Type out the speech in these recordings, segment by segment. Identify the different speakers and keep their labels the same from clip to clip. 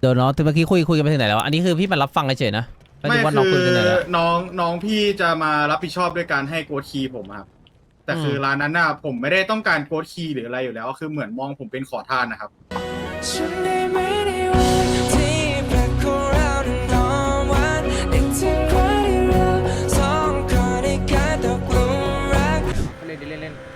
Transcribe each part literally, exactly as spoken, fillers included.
Speaker 1: ดี๋ยวน้องเมื่อกี้คุยคุยกันไปถึงไหนแล้วอันนี้คือพี่มารับฟังเฉยๆนะไม่รู้ว่าน้องคุยกันไหนแล้ว
Speaker 2: น้องน้องพี่จะมารับผิดชอบด้วยการให้โค้ดคีย์ผมครับแต่คือร้านนั้นน่ะผมไม่ได้ต้องการโค้ดคีย์หรืออะไรอยู่แล้วคือเหมือนมองผมเป็นขอทานนะครับ
Speaker 3: เล่นดิเล่นเล่น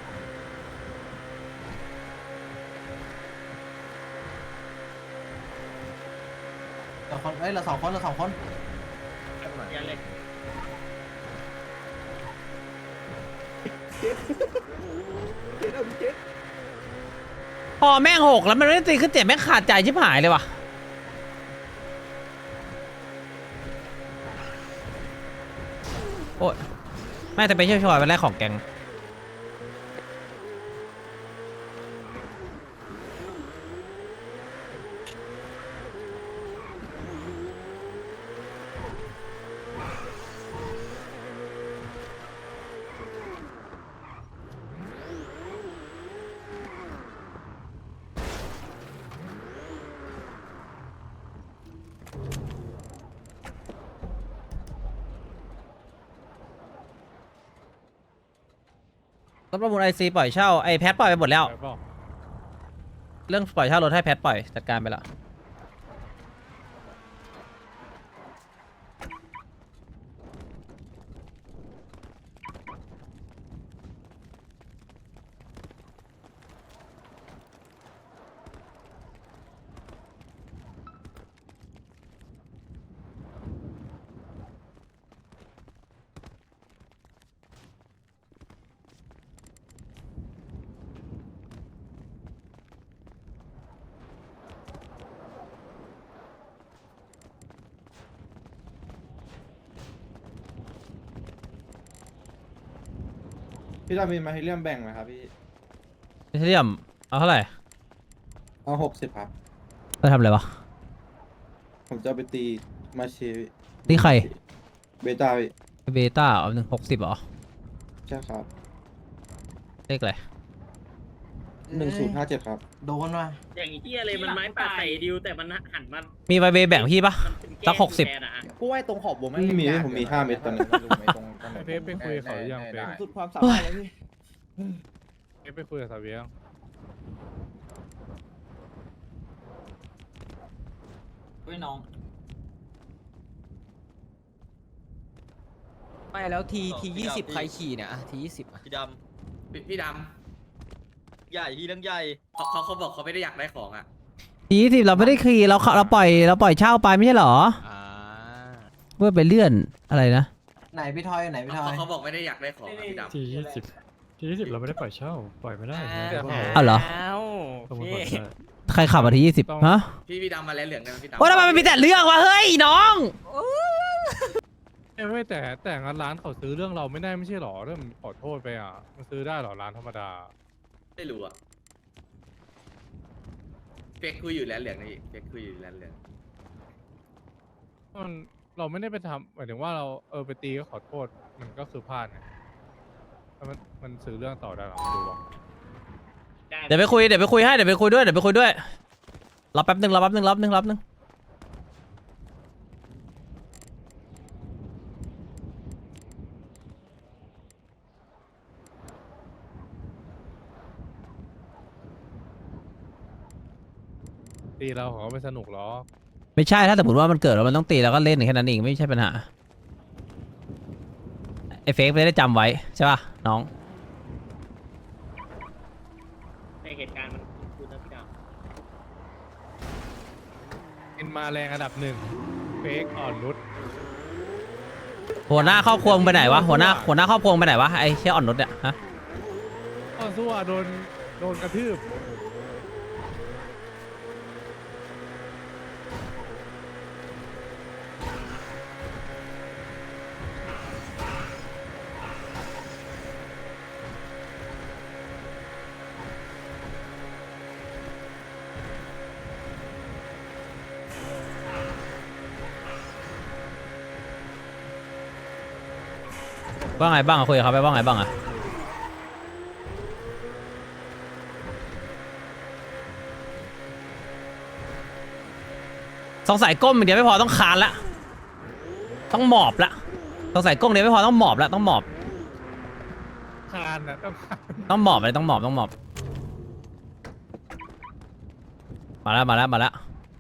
Speaker 3: สองคนเอ้ยเราสองคนเราสองคนยันเลย
Speaker 1: พอแม่งหกแล้วมันไม่ได้ตีขึ้นเจ็บแม่งขาดใจชิบหายเลยว่ะโอ้ยแม่แต่ไปเชี่ยวชอยวันแรกของแกงรถประมูลไอซีปล่อยเช่าไอแพทปล่อยไปหมดแล้วเรื่องปล่อยเช่ารถให้แพทปล่อยจัดการไปแล้ว
Speaker 4: พี่ดามีมาให้เลี่ยมแบ่งไหมครับพี่
Speaker 1: เทียมเอาเท่าไหร่
Speaker 4: เอาหกสิบครับ
Speaker 1: จะทำอะไรวะ
Speaker 4: ผมจะเอาไปตีมาเช
Speaker 1: นี่ใคร
Speaker 4: เบต้าพี่
Speaker 1: เบต้าเอาหนึ่งหกสิบเหรอ
Speaker 4: ใช่ครับ
Speaker 1: เลขอะไร
Speaker 4: หนึ่งศูนย์ห้าเจ็ดครับ
Speaker 3: โดนว่ะ
Speaker 5: อย่างเฮียเลยมันไม้ป่าใส่ดิวแต่มันหันมัน
Speaker 1: มีใบเบแบ่งพี่ปะ สักหกสิบ
Speaker 6: กูว่าตรงขอบวง
Speaker 4: ไม่มีผมมีห้าเม็ดตอนนี้
Speaker 7: เฟซไปคุยกับเขาหรือยังเฟซ
Speaker 6: สุดความสามารถเลยพี่
Speaker 7: เฟซไปคุยกับสาเวียง
Speaker 3: เฮ้ยน้อง
Speaker 6: ไม่แล้วทีทียี่สิบใครขี่เนี่ยทียี่สิบ
Speaker 5: พี่ด
Speaker 3: พี่ด
Speaker 5: ำใหญ่พี่เรื่องใหญ่เขาเขาเขาบอกเขาไม่ได้อยากได้ของอ่ะ
Speaker 1: ยี่สิบเราไม่ได้คีเราเราปล่อยเราปล่อยเช่าไปไม่ใช่เหรอ
Speaker 6: อ่า
Speaker 1: เพื่อไปเลื่อนอะไรนะ
Speaker 3: ำไหนพี่ทอยไหนพี่ทอย
Speaker 5: เขาบอกไม่ได้อยากได้ของอะพี่ดำ
Speaker 7: ทียี่สิบทียี่สิบเราไม่ได้ปล่อยเช่าปล่อยไม่ได้นะ
Speaker 1: อ้าวเหรอ
Speaker 7: สมมติปล่อยได้
Speaker 1: ใครขับมาที่ยี่สิบฮะ
Speaker 5: พี่พี่ดำมาแล้วเหลืองกันพี่ดำ
Speaker 1: โอ้ทำไมมันมีแต่เรื่องวะเฮ้ยน้อง
Speaker 7: เอ้ยไม่แต่แต่งั้นร้านเขาซื้อเรื่องเราไม่ได้ไม่ใช่หรอเรื่องขอโทษไปอ่ะมันซื้อได้หรอร้านธรรมดา
Speaker 5: ไม่รู้อ่ะเฟกคุยอยู่แล้วเหลืองนี่เฟกคุยอยู่แล้วเหลือง
Speaker 7: มันเราไม่ได้ไปทำหมายถึงว่าเราเออไปตีก็ขอโทษมันก็คือพลาดไงแล้วมันมันซื้อเรื่องต่อได้หรอไม่รู้หรอก
Speaker 1: เดี๋ยวไปคุยเดี๋ยวไปคุยให้เดี๋ยวไปคุยด้วยเดี๋ยวไปคุยด้วยรอแป๊บนึงรอแป๊บนึงรอแป๊บนึงรอแป๊บนึง
Speaker 7: ตีเราเขาก็ไม่สนุกหรอก
Speaker 1: ไม่ใช่ถ้าสมมติว่ามันเกิดแล้วมันต้องตีแล้วก็เล่นแค่นั้นเองไม่ใช่ปัญหาไอ้เฟกไม่ได้จำไว้ใช่ป่ะน้อง
Speaker 5: ในเหตุการณ์มันคุณนะพี่ดำ
Speaker 7: เป็นมาแรงอันดับหนึ่งเฟกอ่อนนุช
Speaker 1: หัวหน้าครอบครัวมึงไปไหนวะหัวหน้าหัวหน้าครอบครัวมึงไปไหนวะไอ้เชี่ยอ่อนนุชเนี่ยฮะ
Speaker 7: ก็สู้อ่ะโดนโดนกระทืบ
Speaker 1: ว่าไงบ้างอะคุยกับเขาไปว่าไงบ้างอะสงสัยก้มอย่างเดียวไม่พอต้องคานละต้องหมอบละสงสัยก้มเดียวไม่พอต้องหมอบละต้องหมอบ
Speaker 7: คานอ่ะต้องคาน
Speaker 1: ต้องหมอบเลยต้องหมอบต้องหมอบมาแล้วมาแล้วมาแล้ว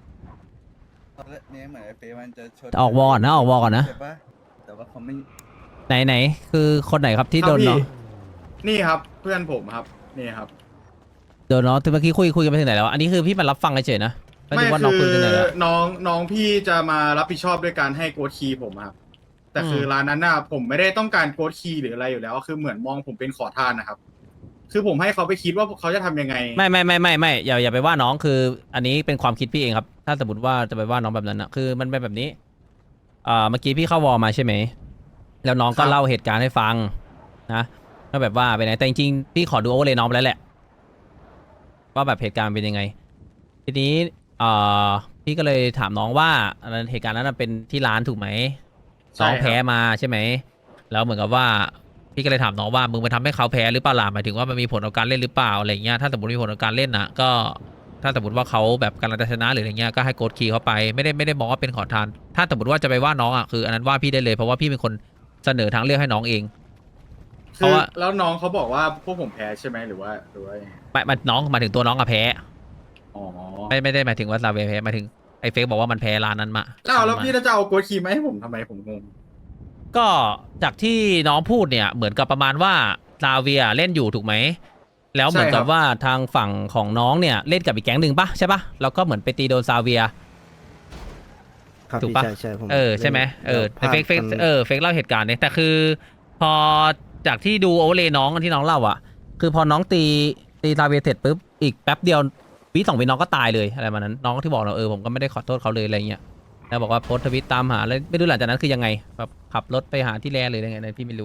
Speaker 3: เนี่ยเหมือนไอ้เฟมันจะชน
Speaker 1: ออกวอร์ก่อนนะออกวอร์ก่อนนะ
Speaker 3: ใช่ปะแต่ว่าเขาไม่
Speaker 1: ไหนไหนคือคนไหนครับที่โดน
Speaker 2: ครับพี่
Speaker 1: เนาะ
Speaker 2: นี่ครับเพื่อนผมครับนี่ครับ
Speaker 1: โดนเนาะที่เมื่อกี้คุยคุยกันไปถึงไหนแล้วอันนี้คือพี่มารับฟังเฉยๆนะไม่
Speaker 2: ไม่
Speaker 1: รู้ว่าน้อง
Speaker 2: คื
Speaker 1: คุย
Speaker 2: อ
Speaker 1: กันไหนแล้ว
Speaker 2: น้องน้องพี่จะมารับผิดชอบด้วยการให้โกดคีย์ผมครับแต่คือ
Speaker 1: ม
Speaker 2: ร้านนั้นน่ะผมไม่ได้ต้องการโกดคีย์หรืออะไรอยู่แล้ว คือเหมือนมองผมเป็นขอทานนะครับ คือผมให้เขาไปคิดว่าเขาจะทำยังไง
Speaker 1: ไม่ไม่ไม่ไม่ไม่อย่าอย่าไปว่าน้องคือ อันนี้เป็นความคิดพี่เองครับ ถ้าสมมติว่าจะไปว่าน้องแบบนั้นนะคือมันเป็นแบบนี้อ่าเมื่อกี้พี่เข้าวอลมาใช่ไหมแล้วน้องก็
Speaker 2: ครับ
Speaker 1: เล่าเหตุการณ์ให้ฟังนะก็แบบว่าไปไหนแต่จริงๆพี่ขอดูโอเวอร์เลยน้องไปแล้วแหละว่าแบบเหตุการณ์เป็นยังไง ทีนี้อ่าพี่ก็เลยถามน้องว่าอันนั้นเหตุการณ์นั้นนะเป็นที่ร้านถูกไหมน้องแพ้มาใช่ไหมแล้วเหมือนกับว่า พี่ก็เลยถามน้องว่ามึงไปทำให้เขาแพ้หรือเปล่าล่ะหมายถึงว่ามันมีผลต่อการเล่นหรือเปล่าอะไรเงี้ยถ้าสมมติมีผลต่อการเล่นนะก็ถ้าสมมติว่าเขาแบบกำลังจะชนะหรืออะไรเงี้ยก็ให้โกดคีย์เขาไปไม่ได้ไม่ได้มองว่าเป็นขอทาน ถ้าสมมติว่าจะไปว่าน้องอ่ะคืออันนั้นว่าพี่ได้เลยเพราะว่าพี่เป็นคนเสนอทางเลือกให้น้องเอง เพ
Speaker 2: คือ
Speaker 1: ราะว่า
Speaker 2: แล้วน้องเขาบอกว่าพวกผมแพ้ใช่ไหมหรือว่าหรือว่ายังไง
Speaker 1: ไม่มันน้องหมายถึงตัวน้องอะแพ้
Speaker 2: อ๋อ
Speaker 1: ไม่ไม่ได้หมายถึงว่าซาเวย์แพ้หมายถึงไอ้เฟกบอกว่ามันแพ้ร้านนั้นมา
Speaker 2: แล้วแล้วพี่จะเอาโกดคีย์มาให้ผมทำไมผมงง
Speaker 1: ก็จากที่น้องพูดเนี่ยเหมือนกับประมาณว่าซาเวียเล่นอยู่ถูกไหมแล้วเหมือนกับว่าทางฝั่งของน้องเนี่ยเล่นกับอีกแก๊งหนึ่งปะใช่ปะแล้วก็เหมือนไปตีโดนซาเวีย
Speaker 8: ครับ
Speaker 1: ถูก
Speaker 8: พี่
Speaker 1: ปะ
Speaker 8: ใช่ใช่ผม
Speaker 1: เออใช่ไหมเออ
Speaker 8: แล้ว
Speaker 1: เฟกเฟก
Speaker 8: ภาพมัน
Speaker 1: เออเฟกเล่าเหตุการณ์เนี่ยแต่คือ พอจากที่ดูโอเวอร์เลยน้องที่น้องเล่าอ่ะ คือพอน้องตีตีซาเวียเสร็จปุ๊บอีกแป๊บเดียววิสองวิน้องก็ตายเลยอะไรมานั้นน้องที่บอกเราเออผมก็ไม่ได้ขอโทษเขาเลยอะไรเงี้ยแล้วบอกว่าโพสต์ทวิตตามหาแล้วไม่รู้หลังจากนั้นคือยังไงแบบขับรถไปหาที่แลเลยยังไงนะพี่ไม่รู้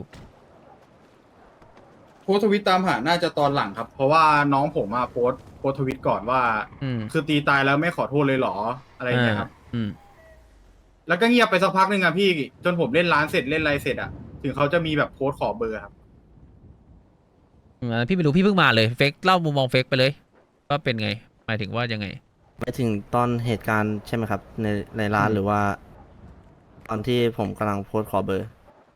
Speaker 2: โพสต์ทวิตตามหาน่าจะตอนหลังครับ เพราะว่าน้องผมมาโพสต์โพสต์ทวิตก่อนว่า
Speaker 1: อืม
Speaker 2: คือตีตายแล้วไม่ขอโทษเลยเหรออะไรอย่างเงี้ยครับ
Speaker 1: อืม
Speaker 2: แล้วก็เงียบไปสักพักหนึ่งอะพี่จนผมเล่นร้านเสร็จเล่นอะไรเสร็จอะถึงเขาจะมีแบบโพสต์ขอเบอร์ครับ
Speaker 1: อืมอันนั้นพี่ไม่รู้พี่เพิ่งมาเลยเฟกเล่ามุมมองเฟกไปเลยว่าเป็นไงหมายถึงว่ายังไง
Speaker 8: ไปถึงตอนเหตุการณ์ใช่ไหมครับ ในในร้าน
Speaker 2: อืม
Speaker 8: หรือว่า ตอนที่ผมกำลังโพสต์ขอเบอร์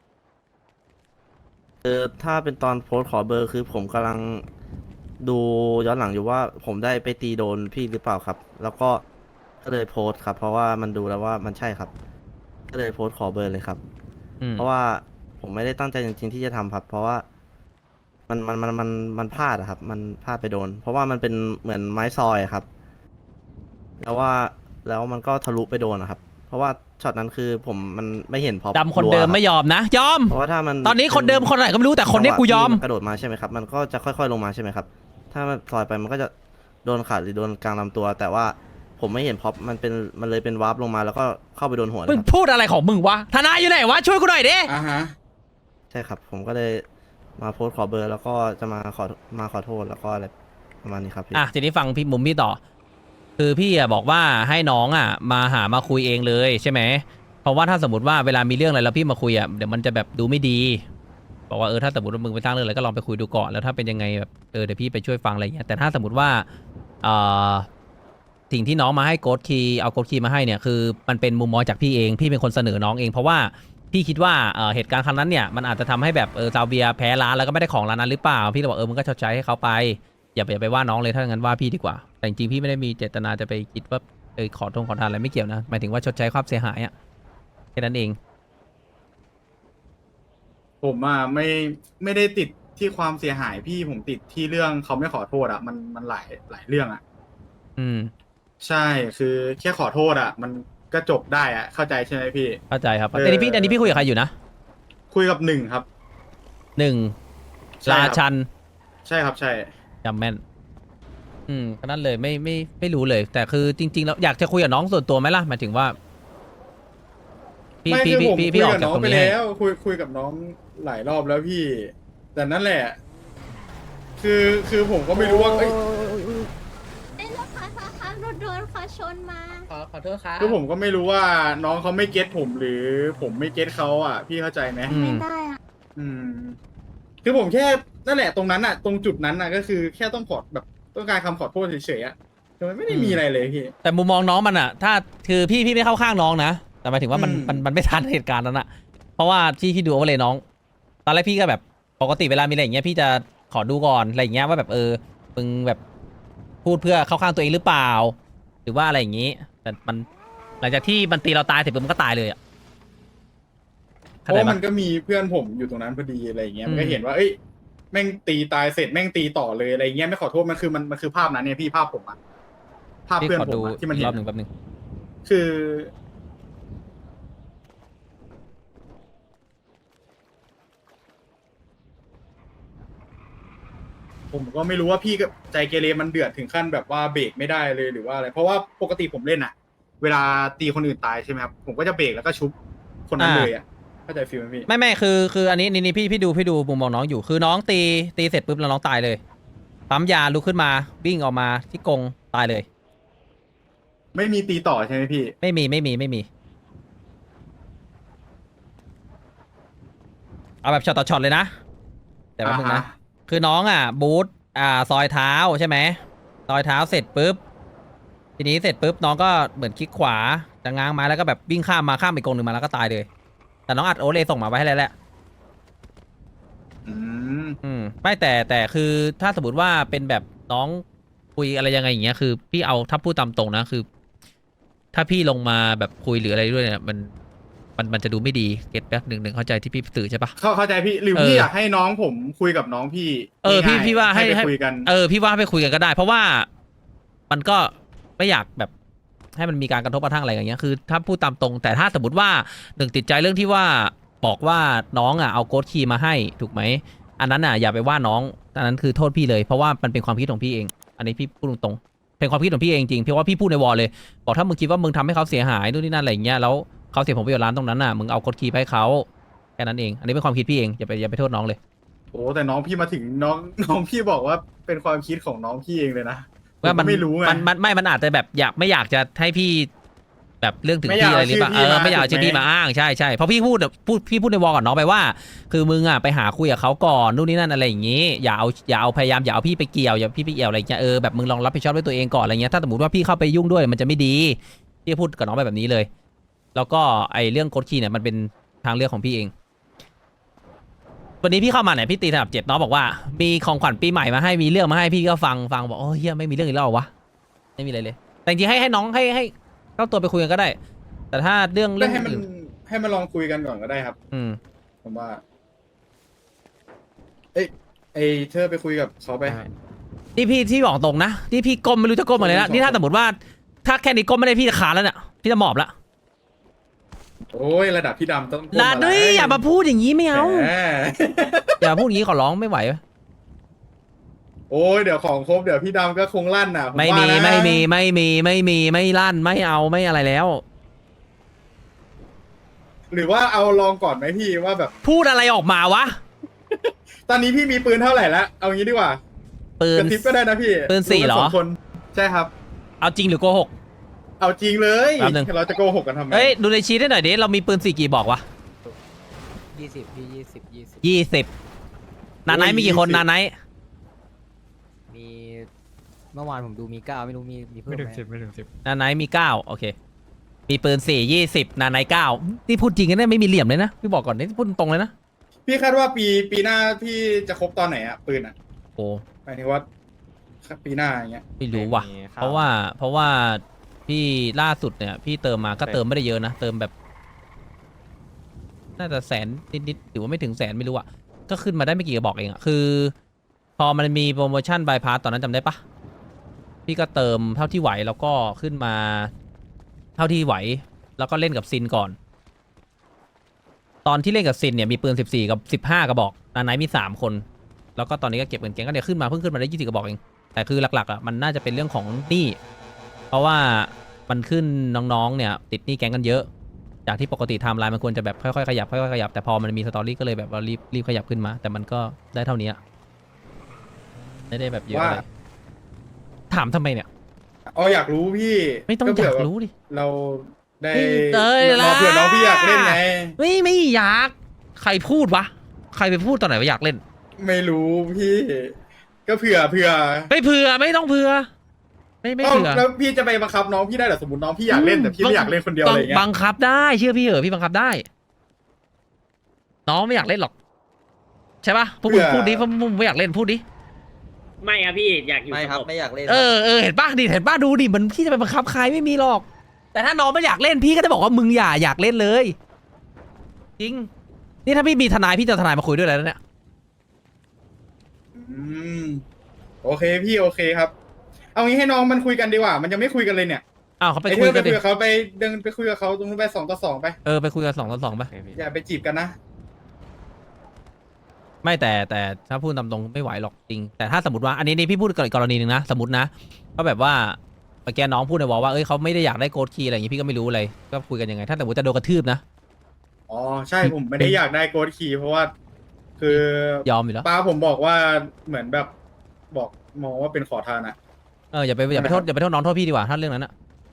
Speaker 8: คือถ้าเป็นตอนโพสต์ขอเบอร์คือผมกำลังดูย้อนหลังอยู่ว่าผมได้ไปตีโดนพี่หรือเปล่าครับ แล้วก็ก็เลยโพสต์ครับ เพราะว่ามันดูแล้วว่ามันใช่ครับ ก็เลยโพสต์ขอเบอร์เลยครับ
Speaker 1: อืม
Speaker 8: เพราะว่าผมไม่ได้ตั้งใจจริงๆที่จะทำครับ เพราะว่ามันมันมันมันมันพลาดอะครับ มันพลาดไปโดน เพราะว่ามันเป็นเหมือนไม้ซอยอะครับ แล้วว่าแล้วมันก็ทะลุไปโดนนะครับ เพราะว่าช็อตนั้นคือผมมันไม่เห็นพอ
Speaker 1: ดำคนเดิมไม่ยอมนะ ยอม
Speaker 8: เพราะว่าถ้ามัน
Speaker 1: ตอนนี้คนเดิมคนไหนก็ไม่รู้แต่คนนี้กูยอม
Speaker 8: จังหวะที่นกระโดดมาใช่ไหมครับ มันก็จะค่อยๆลงมาใช่ไหมครับ ถ้ามันซอยไปมันก็จะโดนขาหรือโดนกลางลำตัว แต่ว่าผมไม่เห็นพอมันเป็นมันเลยเป็นวาร์ปลงมาแล้วก็เข้าไปโดนหัวเลย
Speaker 1: มึง
Speaker 8: ครับ
Speaker 1: พูดอะไรของมึงวะทนายอยู่ไหนวะช่วยกูหน่อยดิ
Speaker 2: อ่าฮะ
Speaker 8: ใช่ครับ ผมก็เลยมาโพสต์ขอเบอร์ แล้วก็จะมาขอมาขอโทษแล้วก็อะไรประมาณนี้ครับพี่
Speaker 1: อ่ะทีนี้ฟังพี่มุมพี่ต่อ คือพี่อ่ะบอกว่าให้น้องอ่ะมาหามาคุยเองเลยใช่ไหมเพราะว่าถ้าสมมติว่าเวลามีเรื่องอะไรแล้วพี่มาคุยอ่ะเดี๋ยวมันจะแบบดูไม่ดี บอกว่าเออถ้าสมมติว่ามึงไปสร้างเรื่องอะไรก็ลองไปคุยดูก่อนแล้วถ้าเป็นยังไงแบบเออเดี๋ยวพี่ไปช่วยฟังอะไรเงี้ยแต่ถ้าสมมติว่าเอ่อสิ่งที่น้องมาให้โกดคีย์เอาโกดคีย์มาให้เนี่ยคือมันเป็นมุมมองจากพี่เองพี่เป็นคนเสนอน้องเอง เพราะว่าพี่คิดว่าเอ่อเหตุการณ์ครั้งนั้นเนี่ยมันอาจจะทำให้แบบเออซาเวียแพ้ร้านแล้วก็ไม่ได้ของร้านนั้นหรือเปล่าพี่เลยบอกเออมึงก็ชดใช้ให้เขาไปอย่าไปอย่าไปว่าน้องเลยถ้าอย่างนั้นว่าพี่ดีกว่าแต่จริงๆพี่ไม่ได้มีเจตนาจะไปคิดว่าเออขอทงขอทานอะไรไม่เกี่ยวนะหมายถึงว่าชดใช้ความเสียหายอะแค่นั้นเอง
Speaker 2: ผมอ่ะไม่ไม่ได้ติดที่ความเสียหายพี่ผมติดที่เรื่องเขาไม่ขอโทษอ่ะมันมันหลายหลายเรื่องอ่ะ
Speaker 1: อืม
Speaker 2: ใช่คือแค่ขอโทษอ่ะ มันก็จบได้อ่ะเข้าใจใช่ไหมพี่
Speaker 1: เข้าใจครับ
Speaker 2: เออ
Speaker 1: อันนี้พี่อันนี้พี่คุยกับใครอยู่นะ
Speaker 2: คุยกับหนึ่งครับ
Speaker 1: หนึ่ง
Speaker 2: ใช่
Speaker 1: รา
Speaker 2: ครับ
Speaker 1: ชัน
Speaker 2: ใช่ครับใช่
Speaker 1: จำแม่น อืมก็นั่นเลยไม่ไม่ไม่รู้เลย แต่คือจริง ๆ แล้วอยากจะคุยกับน้องส่วนตัวไหมล่ะหมายถึงว่า พี่
Speaker 2: ไม่
Speaker 1: พี่
Speaker 2: คือ
Speaker 1: พี่
Speaker 2: ผม
Speaker 1: พี่
Speaker 2: คุ
Speaker 1: พี่
Speaker 2: ย
Speaker 1: ออก
Speaker 2: กับ
Speaker 1: จาก
Speaker 2: น้อง
Speaker 1: ตรง
Speaker 2: ไป
Speaker 1: นี้ให้
Speaker 2: แล้วคุยคุยกับน้องหลายรอบแล้วพี่ แต่นั่นแหละ คือคือผมก็ไม่รู้ว่าเอ้ย
Speaker 9: เอ้ยรถค่ะค่ะค่ะรถโดนค่ะชนมา
Speaker 6: ขอขอโทษครับ
Speaker 2: คือผมก็ไม่รู้ว่าน้องเขาไม่เก็ตผมหรือผมไม่เก็ตเขาอ่ะ พี่เข้าใจไหม
Speaker 1: อื
Speaker 9: ไม่
Speaker 1: ม
Speaker 9: ได้อะ
Speaker 2: อืม คือผมแค่นั่นแหละตรงนั้นอ่ะ ตรงจุดนั้นอ่ะ ก็คือแค่ต้องขอแบบต้องการคำขอโทษเฉยๆอ่ะแต่มันไม่ได้มีอะไรเลยพี่
Speaker 1: แต่มุมมองน้องมันอะถ้าคือพี่พี่ไม่เข้าข้างน้องนะแต่หมายถึงว่ามัน
Speaker 2: อืม
Speaker 1: มันมันไม่ทันเหตุการณ์นั้นอะเพราะว่าที่พี่ดูเอาไว้เลยน้อง ตอนแรกพี่ก็แบบปกติเวลามีอะไรอย่างเงี้ยพี่จะขอดูก่อนอะไรอย่างเงี้ยว่าแบบเออมึงแบบพูดเพื่อเข้าข้างตัวเองหรือเปล่า หรือว่าอะไรอย่างงี้ แต่มันหลังจากที่มันตีเราตายเสร็จปุ๊บมันก็ตายเลยอะ
Speaker 2: เพ
Speaker 1: เข้า
Speaker 2: ราะ
Speaker 1: ใจ
Speaker 2: ว่า
Speaker 1: ปะ
Speaker 2: มันก็มีเพื่อนผมอยู่ตรงนั้นพอดีอะไรอย่างเงี้ย
Speaker 1: อืม
Speaker 2: มันก็เห็นว่าเอ้ยแม่งตีตายเสร็จแม่งตีต่อเลยอะไรเงี้ยไม่ขอโทษมันคือมันมันคือภาพนั้นเนี่ยพี่ภาพผมอะภาพ
Speaker 1: พี่
Speaker 2: เพื่อน
Speaker 1: ขอ
Speaker 2: ผ
Speaker 1: ดู
Speaker 2: มอะที่มัน
Speaker 1: อี
Speaker 2: เห็
Speaker 1: กร
Speaker 2: น
Speaker 1: อบหนึ่ง
Speaker 2: อะ
Speaker 1: แป๊บหนึง
Speaker 2: คือ ผมก็ไม่รู้ว่าพี่กับใจเกเรมันเดือดถึงขั้นแบบว่าเบรกไม่ได้เลยหรือว่าอะไร เพราะว่าปกติผมเล่นอะเวลาตีคนอื่นตายใช่ไหมครับผมก็จะเบรกแล้วก็ชุบคนนั้นเลยอะเข้าใจฟีลไหมพี่
Speaker 1: ไม่ไม่คือคืออันนี้นี่นี่พี่พี่ดูพี่ดูมุมมองน้องอยู่คือน้องตีตีเสร็จปุ๊บแล้วน้องตายเลยปั๊มยาลุกขึ้นมาวิ่งออกมาที่กรงตายเลย
Speaker 2: ไม่มีตีต่อใช่ไหมพี่
Speaker 1: ไม่มีไม่มีไม่มี เอาแบบช็อตต่อช็อตเลยนะ แต่ว่ามึง
Speaker 2: อ่า
Speaker 1: นะ
Speaker 2: ฮะ
Speaker 1: คือน้องอ่ะบูทอ่าซอยเท้าใช่ไหมซอยเท้าเสร็จปุ๊บทีนี้เสร็จปุ๊บน้องก็เหมือนคลิกขวาจะง้างไม้แล้วก็แบบวิ่งข้ามมาข้ามอีกกรงหนึ่งมาแล้วก็ตายเลย แต่น้องอัดโอเลส่งมาไว้ให้แล้วแหละ
Speaker 2: อืม
Speaker 1: อืมไม่แต่แต่คือถ้าสมมติว่าเป็นแบบน้องคุยอะไรยังไงอย่างเงี้ยคือพี่เอาถ้าพูดตามตรงนะคือ ถ้าพี่ลงมาแบบคุยหรืออะไรด้วยเนี่ยมันมันมันจะดูไม่ดีเก็ตแป๊บหนึ่งหนึ่งเข้าใจที่พี่สื่อใช่ปะ
Speaker 2: เข้าเข้าใจพี่หรือ
Speaker 1: เออ
Speaker 2: พี่อยากให้น้องผมคุยกับน้องพี่
Speaker 1: เออพี่
Speaker 2: ง่ยๆ
Speaker 1: พี่ว่าให้
Speaker 2: ไป
Speaker 1: ให้
Speaker 2: คุยกัน
Speaker 1: เออพี่ว่าไปคุยกันก็ได้ เพราะว่ามันก็ไม่อยากแบบให้มันมีการกระทบกระทั่งอะไรอย่างเงี้ยคือ ถ้าพูดตามตรง แต่ถ้าสมมติว่าหนึ่งติดใจเรื่องที่ว่าบอกว่าน้องอ่ะเอาโค้ดคีย์มาให้ถูกไหมอันนั้นอ่ะอย่าไปว่าน้องอันนั้นคือโทษพี่เลยเพราะว่ามันเป็นความคิดของพี่เอง อันนี้พี่พูดตรงๆเป็นความคิดของพี่เองจริงเพราะว่าพี่พูดในวอลเลยบอกถ้ามึงคิดว่ามึงทำให้เขาเสียหายนู่นนี่นั่นอะไรอย่างเงี้ยแล้วเขาเสียผลประโยชน์ร้านตรงนั้นน่ะมึงเอาโค้ดคีย์ไปให้เขาแค่นั้นเองอันนี้เป็นความคิดพี่เองอย่าไปอย่าไปโทษน้องเลย
Speaker 2: โอ้แต่น้องพี่มาถึงน้องน้องพี่บอกว่าเป็นความคิดของน้องพี่เองเลยนะผม
Speaker 1: ว่า
Speaker 2: ก็
Speaker 1: มัน
Speaker 2: ไม่รู้ไง
Speaker 1: มันมันไม่มันอาจจะแบบอยากไม่อยากจะให้พี่แบบเรื่องถึง
Speaker 2: ไม่อยาก
Speaker 1: พี่อะไรหรือเปล่า
Speaker 2: เอาชื่อพี่
Speaker 1: เออ
Speaker 2: มา
Speaker 1: ไม่อยากเอา
Speaker 2: ถู
Speaker 1: ชื่
Speaker 2: ก
Speaker 1: อ
Speaker 2: ไหม
Speaker 1: พี่มาอ้างใช่ใช่เพราะพี่พูดแบบพูดพี่พูดในวอลกับน้องไปว่า คือมึงอ่ะไปหาคุยกับเขาก่อนนู่นนี่นั่นอะไรอย่างงี้อย่าเอาอย่าเอาพยายามอย่าเอาพี่ไปเกี่ยวอย่าพี่ไปเกี่ยวอะไรอย่างเงี้ยเออแบบมึงลองรับผิดชอบด้วยตัวเองก่อนอะไรเงี้ยถ้าสมมติว่าพี่เข้าไปยุ่งด้วยมันจะไม่ดีพี่พูดกับน้องไปแบบนี้เลย แล้วก็ไอเรื่องโค้ดคีย์เนี่ยมันเป็นทางเลือกของพี่เอง วันนี้พี่เข้ามาเนี่ยพี่ตีสนับเจ็ดน้องบอกว่ามีของขวัญปีใหม่มาให้มีเรื่องมาให้พี่ก็ฟังฟังบอกโอ้เฮียไม่มีเรื่องอีกแล้วเหรอวะไม่มีอะไรเลย แต่จริงๆให้ให้น้องให้ให้เข้าตัวไปคุยกันก็ได้ แต่ถ้าเรื่องเรื่อง
Speaker 2: ให้มัน
Speaker 1: อื่น
Speaker 2: ให้มันลองคุยกันก่อนก็ได้ครับ
Speaker 1: อืม
Speaker 2: ผมว่า เอ้ยไอเธอไปคุยกับเขาไป
Speaker 1: นี่พี่ที่บอกตรงนะนี่พี่ก้มไม่รู้จะก้มอะไรแล้วนี่ถ้าสมมติว่าถ้าแค่นี้ก้มไม่ได้พี่จะขาดแล้วเนี่ยพี่จะหมอบละ
Speaker 2: โอ้ยระดับพี่ดำต้อง
Speaker 1: ลาด้วยอย่ามาพูดอย่างนี้ไม่เอา
Speaker 2: แหม
Speaker 1: อย่ามาพูดอย่างนี้ขอร้องไม่ไหว
Speaker 2: โอ้ยเดี๋ยวของครบเดี๋ยวพี่ดำก็คงลั่นน่ะผ
Speaker 1: ไม่
Speaker 2: ว่า
Speaker 1: มี
Speaker 2: นะ
Speaker 1: ไม่มีไม่มีไม่มีไม่ลั่นไม่เอาไม่อะไรแล้ว
Speaker 2: หรือว่าเอาลองก่อนไหมพี่ว่าแบบ
Speaker 1: พูดอะไรออกมาวะ
Speaker 2: ตอนนี้พี่มีปืนเท่าไหร่แล้วเอางี้ดีกว่า
Speaker 1: ปืน
Speaker 2: กระทิบก็ได้นะพี่
Speaker 1: ปืนสี่เหรอ
Speaker 2: กันสงคนใช่ครับ
Speaker 1: เอาจริงหรือโกหก
Speaker 2: เอาจริงเลย
Speaker 1: แป๊บนึง
Speaker 2: เราจะโกหกกันทำไม
Speaker 1: เฮ้ยดูในชีทให้หน่อยดิเรามีปืนสี่กี่บอกวะ
Speaker 6: ยี่สิบพี่ยี่สิบยี่สิบ
Speaker 1: ยี่สิบนาไนท์มีกี่คนนาไนท์
Speaker 6: มีเมื่อวานผมดูมีเก้าไม่รู้มีมีเพิ่ม
Speaker 7: ไม่
Speaker 6: ไห
Speaker 7: ถึง
Speaker 6: ม
Speaker 7: สิบไม่ถึงสิบ
Speaker 1: นาไนท์มีเก้าโอเค มีปืนสี่ยี่สิบนาไนท์เก้านี่พูดจริงกันเนี่ยไม่มีเหลี่ยมเลยนะพี่บอกก่อนนี่พูดตรงเลยนะ
Speaker 2: พี่คาดว่าปีปีหน้าพี่จะครบตอนไหนอะปืนอะ
Speaker 1: โอ้
Speaker 2: หมายถึงว่าปีหน้าอย่างเงี้ย
Speaker 1: ไม่รู้ว่ะ เพราะว่าเพราะว่าพี่ล่าสุดเนี่ย พี่เติมมาก็เติมไม่ได้เยอะนะเติมแบบ น่าจะแสนนิดๆหรือว่าไม่ถึงแสนไม่รู้อะก็ขึ้นมาได้ไม่กี่กระบอกเองอะคือ พอมันมีโปรโมชั่นบายพาสตอนนั้นจำได้ปะพี่ก็เติมเท่าที่ไหวแล้วก็ขึ้นมา เท่าที่ไหว แล้วก็เล่นกับซินก่อน ตอนที่เล่นกับซินเนี่ยมีปืนสิบสี่กับสิบห้ากระบอกนาไนท์มีสามคน แล้วก็ตอนนี้ก็เก็บเงินแกงก็เนี่ยขึ้นมาเพิ่งขึ้นมาได้ยี่สิบกระบอกเองแต่คือหลักๆอ่ะมันน่าจะเป็นเรื่องของหนี้เพราะว่ามันขึ้นน้องๆเนี่ยติดหนี้แก๊งกันเยอะ จากที่ปกติไทม์ไลน์มันควรจะแบบค่อยๆขยับค่อยๆขยับแต่พอมันมีสตอรี่ก็เลยแบบว่ารีบรีบขยับขึ้นมา แต่มันก็ได้เท่านี้อะไม่ได้แบบเยอะอะไรถามทำไมเนี่ย
Speaker 2: อ๋ออยากรู้พี่
Speaker 1: ไม่ต้องอ
Speaker 2: เผื่
Speaker 1: ยาก
Speaker 2: แบบ
Speaker 1: รู้ดิ
Speaker 2: เราได้
Speaker 1: เอ้ย
Speaker 2: รอเผื่อน้องพี่อยากเล่นไง
Speaker 1: ไม่ไม่อยากใครพูดวะใครไปพูดตอนไหนว่าอยากเล่น
Speaker 2: ไม่รู้พี่ ก็เผื่อเผื่อ
Speaker 1: ไม่เผื่อไม่ต้องเผื่อไม่ไม่ไม่
Speaker 2: เอ้า
Speaker 1: เถื่อ
Speaker 2: แล้วพี่จะไปบังคับน้องพี่ได้เหรอสมมติน้องพี่อยากเล่นแต่พี่ไม่อยากเล่นคนเดียวอะไรเงี้ย
Speaker 1: บังคับได้เชื่อพี่เหอะพี่บังคับได้ น้องไม่อยากเล่นหรอก ใช่ปะพวกมึงพูดดิพวกมึงไม่อยากเล่นพูดดิ
Speaker 5: ไม่ครับพี่อยากอยู่
Speaker 6: ไม่ครับ
Speaker 5: สง
Speaker 6: ไม่อยากเล่น
Speaker 1: เออเออเห็นป่ะดิเห็นป่ะดูดิมันพี่จะไปบังคับใครไม่มีหรอก แต่ถ้าน้องไม่อยากเล่นพี่ก็จะบอกว่ามึงอย่าอยากเล่นเลย จริง นี่ถ้าพี่มีทนายพี่จะเอาทนายมาคุยด้วยแล้วเนี่ย
Speaker 2: อืมโอเคพี่โอเคครับ เอางี้ให้น้องมันคุยกันดีกว่า มันยังไม่คุยกันเลยเนี่ย
Speaker 1: อ้าวเขาไป
Speaker 2: ไอ้
Speaker 1: คุ
Speaker 2: เธ
Speaker 1: ย
Speaker 2: อไป
Speaker 1: กันดิ
Speaker 2: คุยกับเขาไปเดินไปคุยกับเขาตรงนู้นไปสองต่อสองไป
Speaker 1: เออไปคุยกันสองต่อสองไป
Speaker 2: อย่าไปจีบกันนะ
Speaker 1: ไม่แต่แต่ถ้าพูดตามตรงไม่ไหวหรอกจริง แต่ถ้าสมมติว่าอันนี้นี่พี่พูดกรณีหนึ่งนะสมมตินะก็แบบว่าเมื่อกี้น้องพูดในวอลว่าเอ้ยเขาไม่ได้อยากได้โกดคีย์อะไรอย่างงี้พี่ก็ไม่รู้เลยก็คุยกันยังไง ถ้าสมมติจะโดนกระทืบนะ
Speaker 2: อ๋อใช่ผมไม่ได้อยากได้โกดคีย์เพราะว่า คือย
Speaker 1: อมอยู่แล้ว
Speaker 2: ป้าผมบอกว่าเหมือนแบบบอกมองว่าเป็นขอทานอะ
Speaker 1: เอออย่าไปอย่าไปโทษอย่าไปโทษน้องโทษพี่ดีกว่าถ้าเรื่องนั้นอะ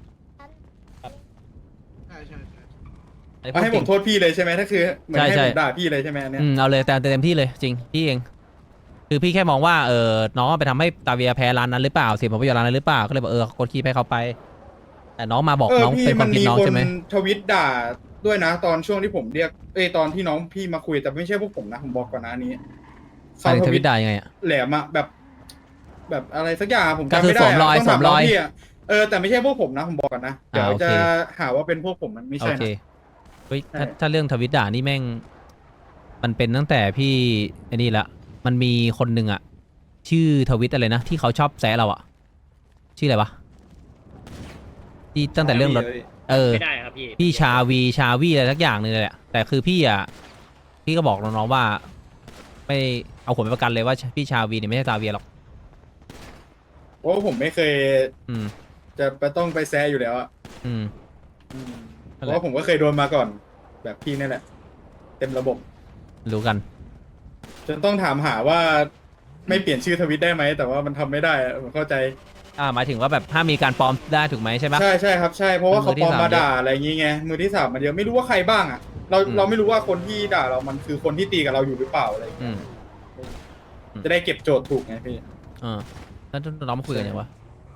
Speaker 2: ใช่ใช่
Speaker 1: อันนี้
Speaker 2: เอาให้
Speaker 1: พู
Speaker 2: ผ
Speaker 1: ด
Speaker 2: ม
Speaker 1: จ
Speaker 2: โท
Speaker 1: ริง
Speaker 2: ษพี่เลยใช่ไหมถ้าคือเหมือน
Speaker 1: ใช่
Speaker 2: ให้
Speaker 1: ใช่
Speaker 2: ผมด่าพี่เลยใช่ไหมอันเนี้ย
Speaker 1: อืมเอาเลยแต่เต็มที่เลยจริงพี่เองคือพี่แค่มองว่าเออน้องไปทำให้ตาเวียแพ้ร้านนั้นหรือเปล่าเสียผลประโยชน์ร้านนั้นหรือเปล่าก็เลยบอกเออโกดคีย์ให้เขาไป แต่น้องมาบอก
Speaker 2: เออ
Speaker 1: น้อง
Speaker 2: พี่
Speaker 1: เป็นค
Speaker 2: มั
Speaker 1: วาน มคิด
Speaker 2: มี
Speaker 1: น้อง
Speaker 2: คน
Speaker 1: ใช่ไหม
Speaker 2: ทวิตด่าด้วยนะ ตอนช่วงที่ผมเรียกเอ้ยตอนที่น้องพี่มาคุยแต่ไม่ใช่พวกผมนะผมบอกก่อนนะอันนี้
Speaker 1: ใครทวิตด่ายังไงอะ
Speaker 2: แหลมอะแบบ แบบอะไรสักอย่างผม
Speaker 1: ก็
Speaker 2: จำ
Speaker 1: คือ
Speaker 2: ไม่ได้
Speaker 1: สวมรอย
Speaker 2: ะต้งถา
Speaker 1: สวมรอย
Speaker 2: น้งพี่ะเออแต่ไม่ใช่พวกผมนะผมบอกก่อนนะเดี๋ยว
Speaker 1: อ่าโอเค
Speaker 2: จะหาว่าเป็นพวกผมมันไม่
Speaker 1: โอ
Speaker 2: ใช่
Speaker 1: เค
Speaker 2: นะ
Speaker 1: เฮ้ยถ้า
Speaker 2: ใช่
Speaker 1: ถ้าเรื่องทวิตด่านี่แม่ง มันเป็นตั้งแต่พี่ไอ้นี่ละมันมีคนหนึ่งอะชื่อทวิตอะไรนะที่เขาชอบแซะเราอะชื่ออะไรวะที่ตั้งแต่เรื่องรถ เออ
Speaker 5: ไม่ได้ครับพี่
Speaker 1: พี่ชาวีชาวีอะไรสักอย่างหนึงเลยแหละแต่คือพี่อ่ะพี่ก็บอกน้องๆว่า ไม่เอาผมไปประกันเลยว่าพี่ชาวีเนี่ยไม่ใช่ซาเวียหรอก
Speaker 2: เพราะว่าผมไม่เคย
Speaker 1: อืม
Speaker 2: จะไปต้องไปแซะอยู่แล้วอะ
Speaker 1: อืม
Speaker 2: อืมเพ
Speaker 1: นั่นแหละ
Speaker 2: ราะว่าผมก็เคยโดนมาก่อน แบบพี่นี่แหละ เต็มระบบ
Speaker 1: รู้กัน
Speaker 2: จนต้องถามหาว่าไม่เปลี่ยนชื่อทวิตได้ไหมแต่ว่ามันทำไม่ได้อะผมเข้าใจ
Speaker 1: อ่าหมายถึงว่าแบบถ้ามมีการปลอมได้ถูกไหมใช่ปะ
Speaker 2: ใช่ใช่ครับใช่เพราะว่าเขา
Speaker 1: มือที่
Speaker 2: ปลอม
Speaker 1: สาม
Speaker 2: มาด่าอะไรอย่างงี้ไงมือที่สามมันเยอะไม่รู้ว่าใครบ้างอ่ะ เรา
Speaker 1: อืม
Speaker 2: เราไม่รู้ว่าคนที่ด่าเรามันคือคนที่ตีกับเราอยู่หรือเปล่าอะไรอย่าง
Speaker 1: อื
Speaker 2: เงี้ย
Speaker 1: ม
Speaker 2: จะได้เก็บโจทย์ถูกไงพี่
Speaker 1: เออแล้วน้องมาคุยกันยังวะ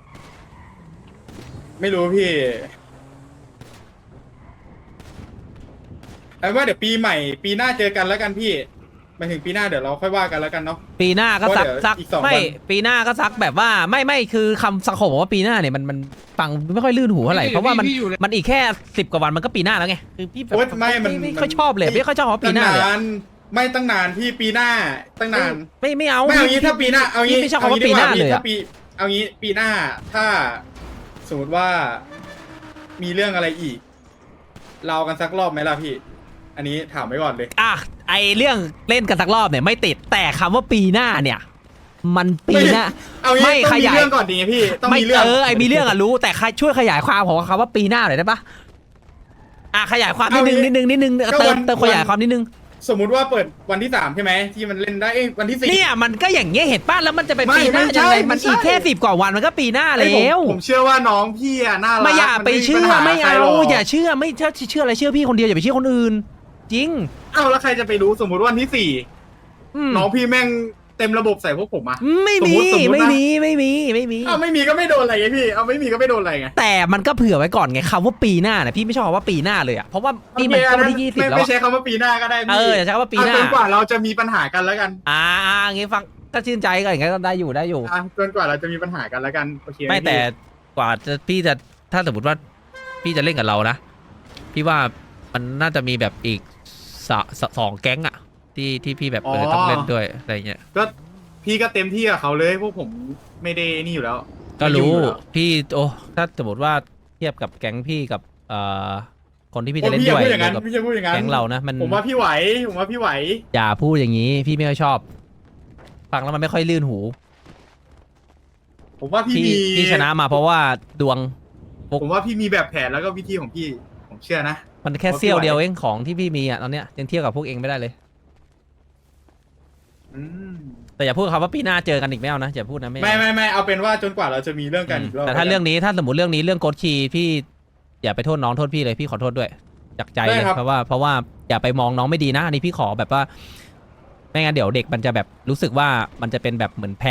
Speaker 2: ไม่รู้พี่ไอ้ว่าเดี๋ยวปีใหม่ ปีหน้าเจอกันแล้วกันพี่หมายถึงปีหน้าเดี๋ยวเราค่อยว่ากันแล้วกันเนาะ
Speaker 1: ปีหน้าก็ซัก
Speaker 2: เพราะเดี๋ยว
Speaker 1: ซัก
Speaker 2: อีกสอง
Speaker 1: ไม่
Speaker 2: วัน
Speaker 1: ปีหน้าก็ซักแบบว่าไม่ไม่คือคำสังคมบอกว่าปีหน้าเนี่ยมันมันฟังไม่ค่อยลื่นหูเท่าไหร่เพราะว่ามันมันอีกแค่สิบกว่าวันมันก็ปีหน้าแล้วไงคือพี่แบบ
Speaker 2: โอ๊ยไม่มัน
Speaker 1: ไม่ค่อยชอบเลยไม่ค่อยชอบว่าปี
Speaker 2: ตั้ง
Speaker 1: หน้าเลย
Speaker 2: นานไม่ตั้งนานพี่ปีหน้าตั้งนาน
Speaker 1: ไม่ไม่เอา
Speaker 2: ไม่เอางี้ถ้าปีหน้าเอางี้
Speaker 1: พี่ไม่ชอบคำว่าปีหน้าเลย
Speaker 2: ถ้า
Speaker 1: อะ
Speaker 2: ปีเอางี้ปีหน้าถ้าสมมติว่ามีเรื่องอะไรอีก เรากันสักรอบไหมล่ะพี่ อันนี้ถามไว้ก่อนเลย
Speaker 1: อ่ะไอเรื่องเล่นกันสักรอบเนี่ยไม่ติดแต่คำว่าปีหน้าเนี่ย มันปีหน้า
Speaker 2: เอางี้
Speaker 1: ไม่
Speaker 2: ต้อง
Speaker 1: ข
Speaker 2: มี
Speaker 1: ยาย
Speaker 2: เรื่องก่อนดีไงพี่ต้อง
Speaker 1: ไม่
Speaker 2: มีเรื่อง
Speaker 1: เออไอมีเรื่องอะรู้แต่ใครช่วยขยายความของคำว่าปีหน้าหน่อยได้ปะอ่ะขยายความนิดนึงนิดนึงนิดนึงเติมเติมขยายความนิดนึง
Speaker 2: สมมุติว่าเปิดวันที่สามใช่ไหมที่มันเล่นได้เอ้ยวันที่สี่
Speaker 1: เนี่ยมันก็อย่างเงี้ยเห็นป้ะแล้วมันจะเป็น
Speaker 2: ไม่
Speaker 1: ปีหน้า
Speaker 2: ไม่ใช่
Speaker 1: ยังไง
Speaker 2: ไม่
Speaker 1: มัน
Speaker 2: ใช่
Speaker 1: อีกแค่สิบกว่าวันมันก็ปีหน้า
Speaker 2: เอ้ยผม
Speaker 1: แล้ว
Speaker 2: ผมเชื่อว่าน้องพี่อะน่ารัก
Speaker 1: ไม่อย่าไป
Speaker 2: น
Speaker 1: เชื่อ
Speaker 2: ปัญห
Speaker 1: ไม่
Speaker 2: ใคร
Speaker 1: เอา
Speaker 2: หรก
Speaker 1: อย่าเชื่อไม่เชื่อเชื่ออะไรเชื่อพี่คนเดียวอย่าไปเชื่อคนอื่น จริง
Speaker 2: เอ้าแล้วใครจะไปรู้สมมุติวันที่สี่
Speaker 1: อืม
Speaker 2: น้องพี่แม่งเต็มระบบใส่พวกผมอะ
Speaker 1: ไม่
Speaker 2: สม
Speaker 1: มี
Speaker 2: มุติสมมุตินะ
Speaker 1: ไม่มีไม่มีไม่มี
Speaker 2: เอ้าไม่มีก็ไม่โดนอะไรไงพี่เอาไม่มีก็ไม่โดนอะไรไง
Speaker 1: แต่มันก็เผื่อไว้ก่อนไงคำว่าปีหน้าเนี่ยพี่ไม่ชอบคำว่าปีหน้าเลยอ่ะเพราะว่านี่มันก็วันที่ยี่สิบ
Speaker 2: ไม่
Speaker 1: แล้ว
Speaker 2: ไม่
Speaker 1: อะ
Speaker 2: ใช้คำว่าปีหน้าก็ได้
Speaker 1: เอ
Speaker 2: พี่
Speaker 1: ออย่าใช้คำว่าปีหน้า
Speaker 2: เอจนกว่าเราจะมีปัญหากันแล้วกัน
Speaker 1: อ่าอ่าอย่างงี้ฟังก็ชื่นใจก็อย่างงี้ก็ได้อยู่ได้อยู่
Speaker 2: อ่ะจนกว่าเราจะมีปัญหากันแล้วกันโอเคห
Speaker 1: ไม่แต่
Speaker 2: พี่
Speaker 1: กว่าจะพี่จะถ้าสมมติว่าพี่จะเล่นกับเรานะพี่ว่ามันน่าจะมีแบบอีกสะสะสองแก๊งอะที่ที่พี่แบบเออต้องเล่นด้วยอะไรเงี้ย
Speaker 2: ก็พี่ก็เต็มที่กับเขาเลยพวกผมไม่ได้นี่อยู่แล้ว
Speaker 1: ก็รู้
Speaker 2: ไม่ยุ่งอยู่แล้ว
Speaker 1: พี่โอ้ถ้าสมมติว่าเทียบกับแก๊งพี่กับเอ่อคนที่พี่
Speaker 2: โอ้
Speaker 1: จะเล่น
Speaker 2: พี่อย่า
Speaker 1: ด้วย
Speaker 2: พูดอย่างนั้น
Speaker 1: กับ
Speaker 2: พี่จะพูดอย่างนั้น
Speaker 1: แก๊งเรานะมัน
Speaker 2: ผมว่าพี่ไหวผมว่าพี่ไหว
Speaker 1: อย่าพูดอย่างนี้ พี่ไม่ค่อยชอบ ฟังแล้วมันไม่ค่อยลื่นหู
Speaker 2: ผมว่าพี่
Speaker 1: พี่
Speaker 2: มี
Speaker 1: พี่ชนะมาเพราะว่าดวง
Speaker 2: ผมว่าพี่มีแบบแผนแล้วก็วิธีของพี่ผมเชื่อนะ
Speaker 1: มันแค่
Speaker 2: ว่าพี่
Speaker 1: เสี้ยว
Speaker 2: ไหว
Speaker 1: เดียวเองของที่พี่มีอ่ะตอนเนี้ยยังเทียบกับพวกเองไม่ได้เลย
Speaker 2: อืม
Speaker 1: แต่อย่าพูดคำว่าปีหน้าเจอกันอีกไม่เอานะอย่าพูดนะไม่เอา
Speaker 2: ไม่ไม่ไม่เอาเป็นว่าจนกว่าเราจะมีเรื่องกันอีกรอบ
Speaker 1: แต่ถ้าเรื่องนี้ถ้าสมมติเรื่องนี้เรื่องโกดคีย์พี่อย่าไปโทษน้องโทษพี่เลยพี่ขอโทษด้วยจากใจเลยเพราะว่าเพราะว่าอย่าไปมองน้องไม่ดีนะอันนี้พี่ขอแบบว่าไม่งั้นเดี๋ยวเด็กมันจะแบบรู้สึกว่ามันจะเป็นแบบเหมือนแพะ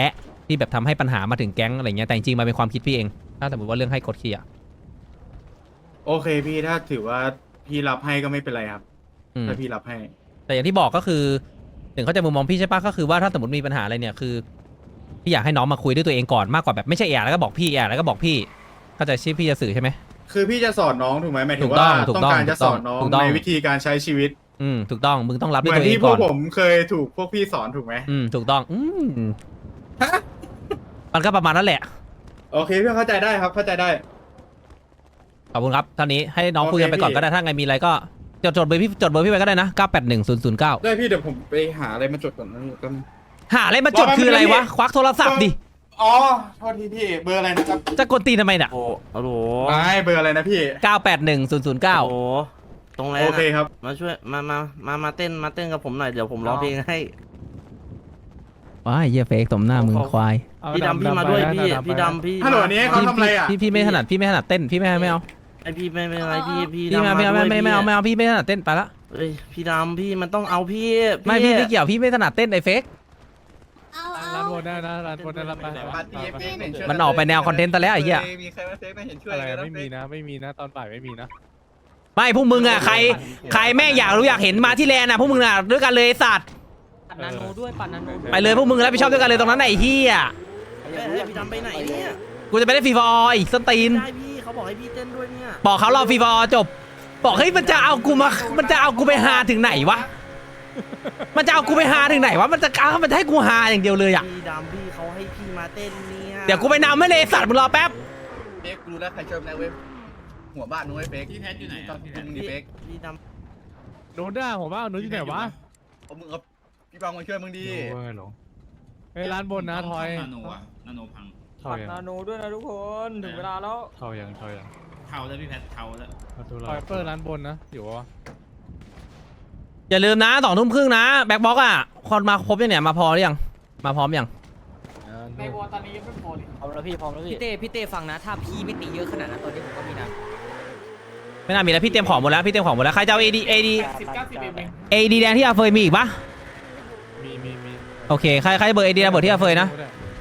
Speaker 1: ที่แบบทำให้ปัญหามาถึงแก๊งอะไรเงี้ยแต่จริงๆมันเป็นความคิดพี่เอง ถ้าสมมติว่าเรื่องให้กดขี่อ่ะ
Speaker 2: โอเคพี่ถ้าถือว่าพี่รับให้ก็ไม่เป็นไรครับ
Speaker 1: อืม
Speaker 2: ถ้าพี่รับให้
Speaker 1: แต่อย่างที่บอกก็คือถึงเขาใจะมุมมองพี่ใช่ปะก็คือว่าถ้าสมมติมีปัญหาอะไรเนี่ยคือพี่อยากให้น้องมาคุยด้วยตัวเองก่อนมากกว่าแบบไม่ใช่แอบแล้วก็บอกพี่แอบแล้วก็บอกพี่เข้าใจชื่อพี่จะสื่อใช่ไหม
Speaker 2: คือพี่จะสอนน้องถูกไหมหมายถึ
Speaker 1: ถู
Speaker 2: ง
Speaker 1: กต้
Speaker 2: ว่า
Speaker 1: องถูก
Speaker 2: ต้อง
Speaker 1: ต้อง
Speaker 2: การจะสอนน้อง
Speaker 1: ถูกต้อง
Speaker 2: ในวิธีการใช้ชีวิต
Speaker 1: อืมถูกต้องมึงต้องรับ
Speaker 2: เห
Speaker 1: ด้วย
Speaker 2: มือน
Speaker 1: ตัวเอ
Speaker 2: ที่
Speaker 1: ง
Speaker 2: พว
Speaker 1: ก่
Speaker 2: ก
Speaker 1: อน
Speaker 2: ผมเคยถูกพวกพี่สอนถูกไหม
Speaker 1: อืมถูกต้องอืมมันก็ประมาณนั้นแหละ
Speaker 2: โอเคพี่เข้าใจได้ครับเข้าใจได้
Speaker 1: ขอบคุณครับเท่านี้ให้น้อง
Speaker 2: โอเค
Speaker 1: คุยกันไปก่อน
Speaker 2: พี่
Speaker 1: ก็ได้ถ้าไงมีอะไรก็จดจดเบอร์พี่จดเบอร์พี่ไปก็ได้นะเก้าแปดหนึ่งศูนย์ศูนย์เก้า
Speaker 2: ได้พี่เดี๋ยวผมไปหาอะไรมาจดก่อนนะพี่แป๊บนึง
Speaker 1: หาอะไรมาจดคืออะไรวะ ควักโทรศัพท์ดิ
Speaker 2: อ๋อโทษทีพี่เบอร์อะไรนะครับ
Speaker 1: จะกดตีนทำไมเนี่ย
Speaker 8: โอ้โห
Speaker 2: ไม่เบอร์อะไรนะพี่
Speaker 1: เก้าแปดหนึ่งศูนย์ศูนย์เก้า
Speaker 8: โอ้โหตรงไหน
Speaker 2: โอเค
Speaker 8: นะครับ มาช่วยมามามามาเต้นมาเต้นกับผมหน่อยเดี๋ยวผมร้องเพลงให้
Speaker 1: ว้ายเหี้ยเฟกสมหน้ามึงควาย
Speaker 7: เอา
Speaker 8: พี่ดำพี่มาด้วย
Speaker 7: ไป
Speaker 8: พี่
Speaker 7: นะ
Speaker 8: พี่ดำพี่
Speaker 2: ฮัลโหลอันนี้เขา
Speaker 1: พี่
Speaker 2: ทำอะไรอ่ะ
Speaker 1: พี่พี่ไม่ถนัดพี่ไม่ถนัดเต้นพี่ไม่ไม่เอา
Speaker 8: ไอพี่ไม่เป็นไรพี่พี่
Speaker 1: พี่
Speaker 8: ดำ
Speaker 1: ไม่เอาไม่เอา
Speaker 8: ด้วย
Speaker 1: ไม่ไม่เอาไม่
Speaker 8: พี่
Speaker 1: เอาพี่ไม่ถนัดเต้นไปละ
Speaker 8: เอ้ยพี่ดำพี่มันต้องเอาพี่
Speaker 1: ไม่พี่ไม่เกี่ยวพี่ไม่ถนัดเต้นไอ้เฟก
Speaker 9: เอา
Speaker 7: ร้า
Speaker 9: เอา
Speaker 7: นบนได้นะร้านบนได้รับไป
Speaker 1: มันออกไปแนวคอนเทนต์แต่แล้วไอ้เหี้ย
Speaker 5: มีใครมาเฟกไม่เห็นช่วย
Speaker 7: อะไร
Speaker 5: เลยนะ
Speaker 7: ไม่มีนะไม่มีนะตอนบ่ายไม่มีนะ
Speaker 1: ไม่พวกมึงอ่ะใครใครแม่งอยากรู้อยากเห็นมาที่แลนด์อ่ะพวกมึงอ่ะด้วยกันเลยไอ้สัตว์
Speaker 6: ปัดนาโนด้วยปัดนาโน
Speaker 1: ไปเลยพวกมึงรับผิดชอบด้วยกันเลยตรงนั้นไอ้เหี้ย
Speaker 8: เอ้ยเอ้ยพี่ดำไปไหนเนี่ย
Speaker 1: กูจะไปได้ฟรีฟอร์อีกสนตีน
Speaker 8: ได้พี่เขาบอกให้พี่เต้นด้วยเนี่ย
Speaker 1: บอกเขารอฟรีฟอร์จบ บอกเฮ้ยมันจะเอากูมา มันจะเอากูไปหาถึงไหนวะ มันจะเอากูไปหาถึงไหนวะ มันจะเอามันจะให้กูหาอย่างเดียวเลยอ่ะ
Speaker 8: พี่ดำพี่เขาให้พี่มาเต้นเนี่ย
Speaker 1: เดี๋ยวกูไปนำไม่เลยสัตว์มึงรอแป๊บ
Speaker 5: เฟกรู้แล้วใครช่วยแล้วเว้ยหัวบ้านนู้นไอ้เฟกพี่แพทอยู่ไหนอ่ะพี่แพทมึง
Speaker 8: พี่
Speaker 5: ดิเฟก
Speaker 8: พี่ด
Speaker 7: โน้นได้ผมว่าโน้นอยู่ไหนวะ
Speaker 5: เอามึงเอาพี่บังมาช่วยมึงดี
Speaker 7: โอ้ยหลงเฮ้ยร้านบนนะทอย
Speaker 10: นาโนอะนาโนพัง
Speaker 7: ทอยยัง
Speaker 6: นาโนด้วยนะทุกคนถึงเวลาแล้ว
Speaker 7: ทอยยังทอยยัง
Speaker 10: เทาแล้วพี่แพทเทาแล้ว
Speaker 7: ทอยเปิดร้านบนนะอยู่วะ
Speaker 1: อย่าลืมนะสองทุ่มครึ่งนะ แบ็คบ็อกอ่ะ คนมาครบยังเนี่ย มาพอหรือยัง มาพร้อมยัง
Speaker 6: ในวอตอนนี้ยังไม่พอเลยพร้อมแล้วพี่พร้อมแล้วพี่พี่เต้พี่เต้ฟังนะถ้าพี่ไม่ตีเยอะขนาดนั้นตอนนี้ผมก็มีนะ
Speaker 1: ไม่น่ามีแล้วพี่เตรียมของหมดแล้ว พี่เตรียมของหมดแล้ว ใครจะเอาเอดีเอดีเอดีแดงที่อาเฟยมีอีกปะ
Speaker 7: มีมีมี
Speaker 1: โอเค ใครใครเบอร์เอดีระเบิดที่อาเฟยนะ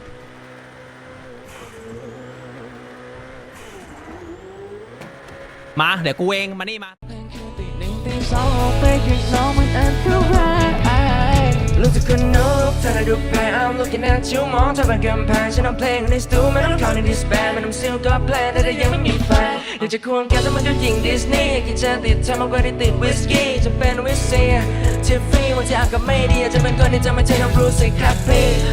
Speaker 1: มา เดี๋ยวกูเอง มานี่มา
Speaker 11: รู้สึกคนนกเธอได้ดูแพ้ I'm looking at you มองเธอเป็นกำแพงฉันเอาเพลงในสตูไม่ต้องเข้าในดิสแบนไม่ต้องซิลก็แพลนแต่ถ้ายังไม่มีแฟนอยากจะควงแก้วแต่มันก็ยิงดิสนีย์กินจะติดเธอมากกว่าที่ติดวิสกี้จะเป็นวิสเซียที่ฟรีวันที่อากาศไม่ดีอาจจะเป็นคนที่จะไม่ใช่น้องบรูซสิครับพี่